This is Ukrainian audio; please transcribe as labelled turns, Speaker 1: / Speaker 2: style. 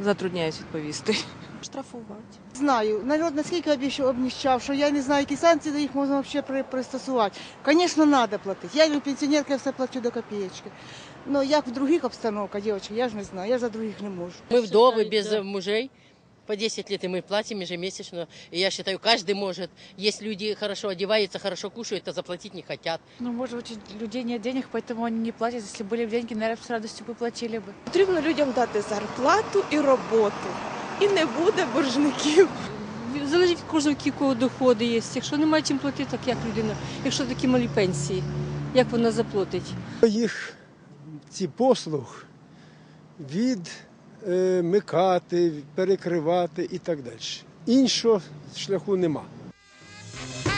Speaker 1: затрудняюсь відповісти.
Speaker 2: Штрафувати.
Speaker 3: Знаю. Народ наскільки обніщав, що я не знаю, які санкції до їх можна взагалі пристосувати. Звісно, треба платити. Я пенсіонерка, я все плачу до копеечки. Ну, як в других обстановках, дівчатки, я ж не знаю, я за других не можу.
Speaker 4: Мы вдовы без мужей. По 10 лет и мы платим ежемесячно. И я считаю, каждый может. Есть люди хорошо одеваются, хорошо кушают, а заплатить не хотят.
Speaker 2: Ну, может быть, у людей нет денег, поэтому они не платят. Если были бы деньги, наверное, с радостью бы платили бы.
Speaker 5: Потрібно людям дати зарплату і роботу. І не буде боржників.
Speaker 6: Залежить від кожного, які кого доходи є. Якщо немає чим платити, так як людина, якщо такі малі пенсії, як вона заплатить?
Speaker 7: Їх ці послуг відмикати, перекривати і так далі. Іншого шляху нема.